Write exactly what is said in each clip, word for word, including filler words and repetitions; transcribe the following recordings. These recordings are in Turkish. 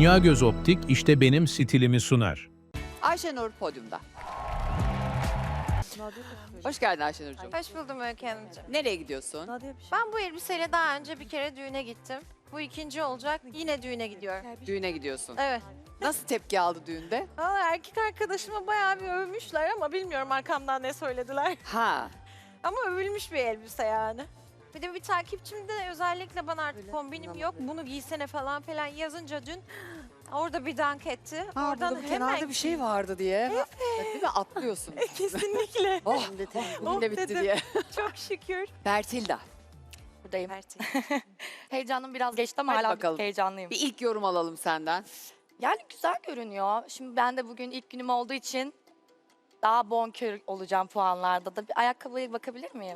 Dünya Göz Optik işte benim stilimi sunar. Ayşenur podyumda. Hoş geldin Ayşenur'cum. Hoş buldum Öykü Hanımcığım. Nereye gidiyorsun? Ben bu elbiseyle daha önce bir kere düğüne gittim. Bu ikinci olacak. Yine düğüne gidiyorum. Düğüne gidiyorsun. Evet. Nasıl tepki aldı düğünde? Valla erkek arkadaşıma bayağı bir övmüşler ama bilmiyorum arkamdan ne söylediler. Ha. Ama övülmüş bir elbise yani. Bir de bir takipçim de özellikle bana artık kombinim yok, bunu giysene falan filan yazınca dün orada bir dank etti. Ha, Oradan burada kenarda bir şey vardı diye. Evet. Değil mi? Atlıyorsun. Kesinlikle. Oh, bugün de Oh bitti dedim. diye. Çok şükür. Bertilda. Buradayım. Heyecanım biraz geçti ama Hadi hala bakalım. heyecanlıyım. Bir ilk yorum alalım senden. Yani güzel görünüyor. Şimdi ben de bugün ilk günüm olduğu için daha bonkör olacağım puanlarda da. Bir ayakkabıya bakabilir miyim?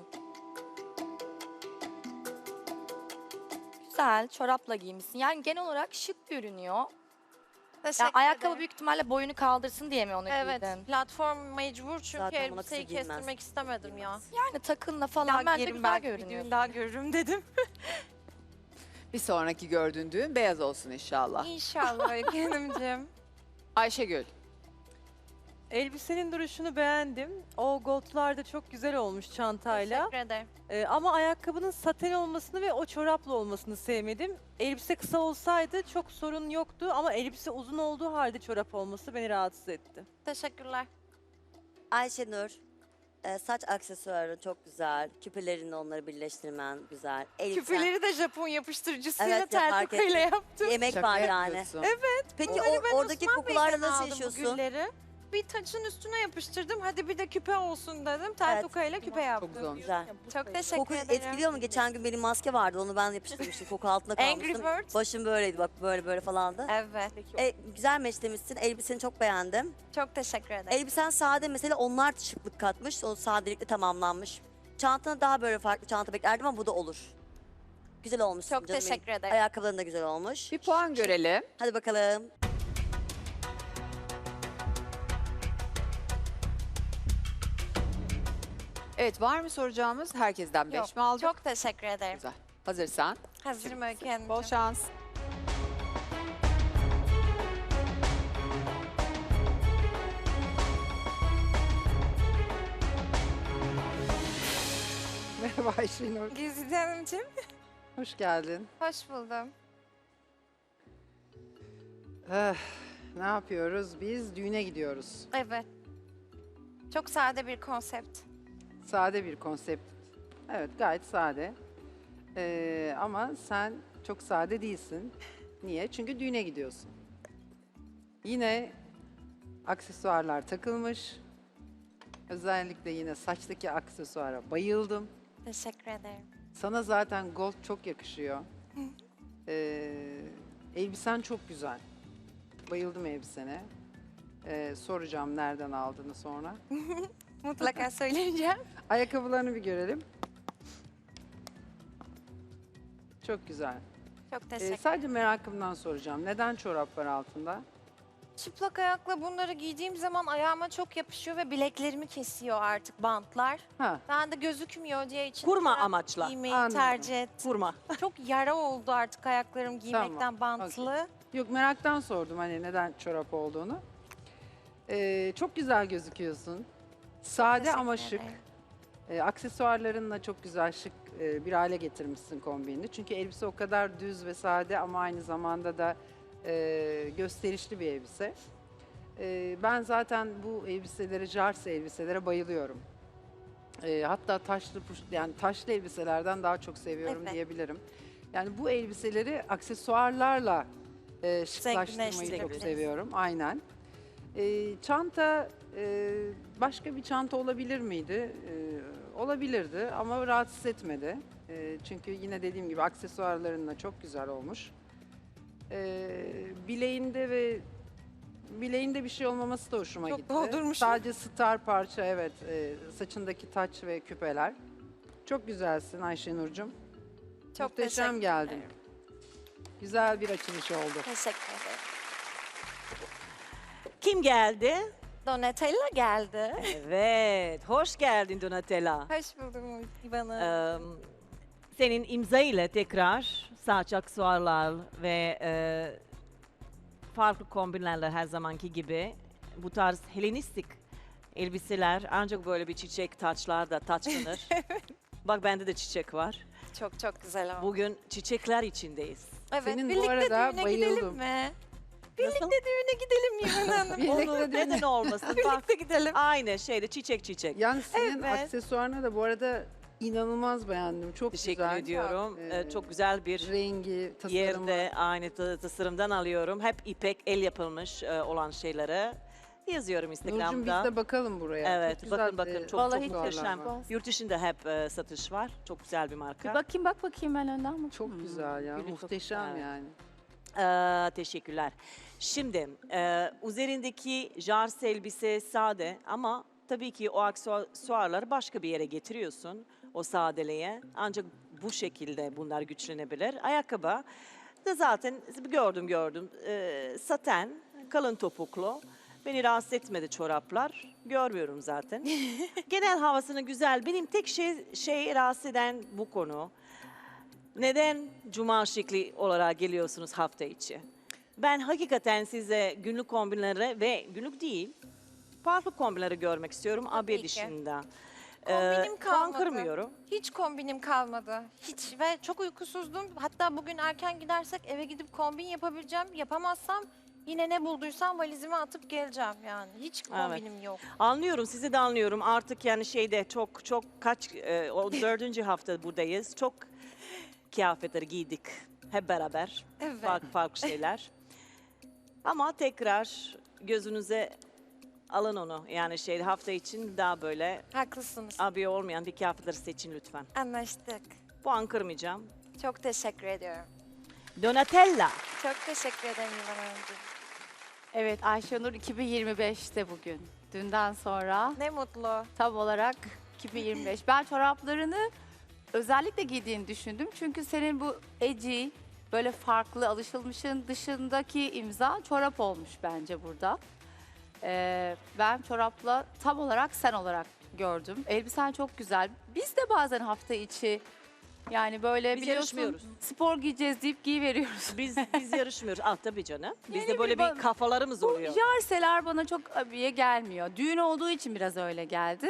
Güzel, çorapla giymişsin. Yani genel olarak şık görünüyor. Teşekkür Yani ayakkabı ederim. büyük ihtimalle boyunu kaldırsın diye mi onu Evet, giydin? platform mecbur çünkü Zaten buna elbiseyi kısa giymez. kestirmek istemedim ya. Yani takınla falan Falan bence giyerim güzel belki bir görünüyor. düğün daha görürüm dedim. Bir sonraki gördüğün düğün beyaz olsun inşallah. İnşallah Öykü Hanımcığım. Ayşegül. Elbisenin duruşunu beğendim. O goldlar da çok güzel olmuş çantayla. Teşekkür ederim. Ee, ama ayakkabının saten olmasını ve o çoraplı olmasını sevmedim. Elbise kısa olsaydı çok sorun yoktu ama elbise uzun olduğu halde çorap olması beni rahatsız etti. Teşekkürler. Ayşenur, e, saç aksesuarı çok güzel. Küpelerini onları birleştirmen güzel. Elbisen, Küpeleri de Japon yapıştırıcısıyla Evet, ya, tel fark tokayla ettim. yaptım. Yemek Şaka var yani. yapıyorsun. Peki Bunları ben o, oradaki Osman kokularla Bey'den nasıl aldım bu yaşıyorsun? gülleri. Bir taçın üstüne yapıştırdım. Hadi bir de küpe olsun dedim. Tel Evet. tokayla küpe Çok yaptım. güzel. Güzel. Çok teşekkür Koku ederim. etkiliyor mu? Geçen gün benim maske vardı. Onu ben yapıştırmıştım. Koku altında Angry kalmıştım. Birds. Başım böyleydi bak böyle böyle falandı. Evet. E, güzel meşlemişsin. Elbiseni çok beğendim. Çok teşekkür ederim. Elbisen sade mesela onlar şıklık katmış. O sadelikle tamamlanmış. Çantana daha böyle farklı çanta beklerdim ama bu da olur. Güzel olmuş. Çok teşekkür ederim. Ayakkabıların da güzel olmuş. Bir puan görelim. Hadi bakalım. Evet, var mı soracağımız? Herkesten beş Yok, mi aldık? Çok teşekkür ederim. Güzel. Hazırsan. Hazırım Öykü Hanımcığım. Bol şans. Merhaba Ayşenur. Güzide Hanımcığım. Hoş geldin. Hoş buldum. Eh, ne yapıyoruz? Biz düğüne gidiyoruz. Evet. Çok sade bir konsept. Sade bir konsept. Evet, gayet sade. Ee, ama sen çok sade değilsin. Niye? Çünkü düğüne gidiyorsun. Yine aksesuarlar takılmış. Özellikle yine saçtaki aksesuara bayıldım. Teşekkür ederim. Sana zaten gold çok yakışıyor. Ee, elbisen çok güzel. Bayıldım elbisene. Ee, soracağım nereden aldığını sonra. Mutlaka söyleyeceğim. Ayakkabılarını bir görelim. Çok güzel. Çok Ee, teşekkür sadece merakımdan soracağım. Neden çorap var altında? Çıplak ayakla bunları giydiğim zaman ayağıma çok yapışıyor ve bileklerimi kesiyor artık bantlar. Ha, Ben de gözükmüyor diye için Kurma çorap amaçla. giymeyi Anladım. tercih ettim. Vurma. Çok yara oldu artık ayaklarım giymekten Tamam, bantlı. yok meraktan sordum hani neden çorap olduğunu. Ee, çok güzel gözüküyorsun. Sade Teşekkür ama şık. ederim. Ee, aksesuarlarınla çok güzel şık e, bir hale getirmişsin kombinini. Çünkü elbise o kadar düz ve sade ama aynı zamanda da e, gösterişli bir elbise. E, ben zaten bu elbiselere, jarse elbiselere bayılıyorum. E, hatta taşlı puş- yani taşlı elbiselerden daha çok seviyorum Evet. diyebilirim. Yani bu elbiseleri aksesuarlarla e, şıklaştırmayı çok Zenginleştirebiliriz. seviyorum. Aynen. E, çanta e, başka bir çanta olabilir miydi? E, olabilirdi ama rahatsız etmedi. E, çünkü yine dediğim gibi aksesuarlarınla çok güzel olmuş. E, bileğinde ve bileğinde bir şey olmaması da hoşuma Çok gitti. doldurmuşum. Sadece star parça evet. E, saçındaki taç ve küpeler. Çok güzelsin Ayşenur'cum. Çok Muhteşem teşekkür geldin. ederim. Güzel bir açılış oldu. Teşekkür ederim. Kim geldi? Donatella geldi. Evet, hoş geldin Donatella. Hoş buldum İvan Hanım. Ee, senin imza ile tekrar saç aksesuarlar ve e, farklı kombinlerle her zamanki gibi. Bu tarz Helenistik elbiseler ancak böyle bir çiçek taçlar da taçlanır. Bak bende de çiçek var. Çok çok güzel ama. Bugün çiçekler içindeyiz. Evet, Senin bu birlikte arada düğüne bayıldım. gidelim mi? Nasıl? Düğüne gidelim mi İvan Hanım? Birlikte Olur, düğüne. neden olmasın? Bak Birlikte gidelim. aynı şeyde çiçek çiçek. Yani senin Evet. aksesuarını da bu arada inanılmaz beğendim. Çok Teşekkür güzel. ediyorum. Ee, Ee, çok güzel bir Rengi, tasarımı. yerde aynı ta- tasarımdan alıyorum. Hep ipek el yapılmış e, olan şeyleri yazıyorum Nurcuğum biz Instagram'da. de bakalım buraya. Evet, Çok güzel, bakın bakın e, çok Vallahi çok aksesuarlar muhteşem. var. Yurt dışında hep e, satış var. Çok güzel bir marka. Bir bakayım bak bakayım ben önden bak. Çok güzel ya. Gülü çok Muhteşem güzel. yani. Ee, teşekkürler. Şimdi e, üzerindeki jars elbise sade ama tabii ki o aksesuarları başka bir yere getiriyorsun o sadeliğe. Ancak bu şekilde bunlar güçlenebilir. Ayakkabı da zaten gördüm gördüm. Ee, saten, kalın topuklu. Beni rahatsız etmedi çoraplar. Görmüyorum zaten. Genel havasını güzel. Benim tek şey, şey rahatsız eden bu konu. Neden cuma şekli olarak geliyorsunuz hafta içi? Ben hakikaten size günlük kombinleri ve günlük değil, farklı kombinleri görmek istiyorum abiye ki. dışında. Kombinim Ee, puan kalmadı. kırmıyorum. Hiç kombinim kalmadı. Hiç ve çok uykusuzdum. Hatta bugün erken gidersek eve gidip kombin yapabileceğim. Yapamazsam yine ne bulduysam valizime atıp geleceğim yani. Hiç kombinim yok. Anlıyorum, sizi de anlıyorum. Artık yani şeyde çok çok kaç, e, o dördüncü hafta buradayız. Çok kıyafetleri giydik hep beraber. Evet. Farklı farklı şeyler. Ama tekrar gözünüze alın onu. Yani şey hafta için daha böyle Haklısınız. abiye olmayan bir kıyafetleri seçin lütfen. Anlaştık. Puan kırmayacağım. Çok teşekkür ediyorum. Donatella. Çok teşekkür ederim İvan Hanımcığım. Evet, Ayşenur iki bin yirmi beşte bugün. Dünden sonra Ne mutlu. tam olarak iki bin yirmi beş. Ben çoraplarını özellikle giydiğini düşündüm. Çünkü senin bu edgy, böyle farklı, alışılmışın dışındaki imza çorap olmuş bence burada. Ee, ben çorapla tam olarak sen olarak gördüm. Elbisen çok güzel. Biz de bazen hafta içi yani böyle Biz biliyorsun yarışmıyoruz. spor giyeceğiz deyip giyiveriyoruz. Biz biz yarışmıyoruz. Ah tabii canım. Bizde Yani böyle bir bir ba- kafalarımız Bu oluyor. jarseler bana çok abiye gelmiyor. Düğün olduğu için biraz öyle geldi.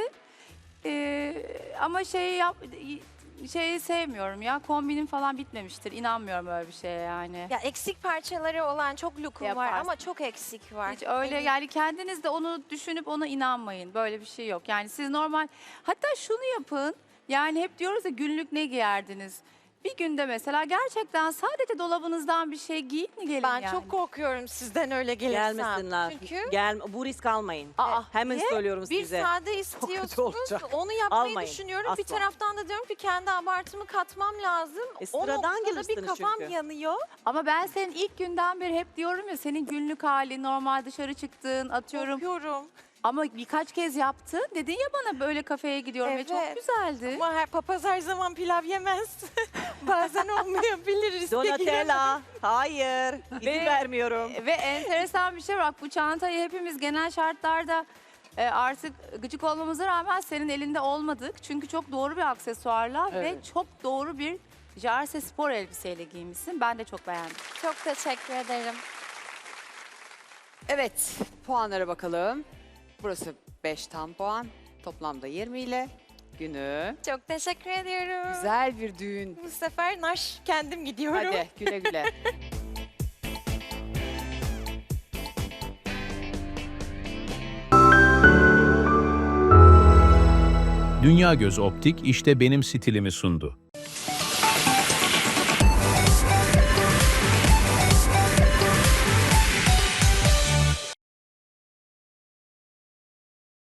Ee, ama şey yap şeyi sevmiyorum ya. Kombinim falan bitmemiştir. İnanmıyorum öyle bir şeye yani. Ya eksik parçaları olan çok lookum var Yaparsın. ama çok eksik var. Hiç öyle Eminim. yani kendiniz de onu düşünüp ona inanmayın. Böyle bir şey yok. Yani siz normal hatta şunu yapın. Yani hep diyoruz ya günlük ne giyerdiniz? Bir günde mesela gerçekten sadece dolabınızdan bir şey giyin mi gelin Ben yani? çok korkuyorum sizden öyle gelirsem. Gelmesinler. Çünkü Gel, bu risk almayın. Aa, Hemen niye? söylüyorum bir size. sade kötü istiyorsunuz. olacak. Onu yapmayı Almayın, düşünüyorum. Bir asla. taraftan da diyorum ki kendi abartımı katmam lazım. E, o sıradan noktada bir gelirsiniz kafam çünkü. yanıyor. Ama ben senin ilk günden beri hep diyorum ya senin günlük hali normal dışarı çıktığın atıyorum. Korkuyorum. Ama birkaç kez yaptın. Dedin ya bana böyle kafeye gidiyorum ve çok Evet. güzeldi. Ama her papaz her zaman pilav yemez. Bazen olmayabilir. riske giremem. Donatella. Hayır. İzin Ve- vermiyorum. Ve enteresan bir şey var. Bu çantayı hepimiz genel şartlarda e, artık gıcık olmamıza rağmen senin elinde olmadık. Çünkü çok doğru bir aksesuarla Evet. ve çok doğru bir jarse spor elbiseyle giymişsin. Ben de çok beğendim. Çok teşekkür ederim. Evet, puanlara bakalım. Burası beş tam puan. Toplamda yirmi ile günü. Çok teşekkür ediyorum. Güzel bir düğün. Bu sefer naş kendim gidiyorum. Hadi güle güle. Dünya Göz Optik işte benim stilimi sundu.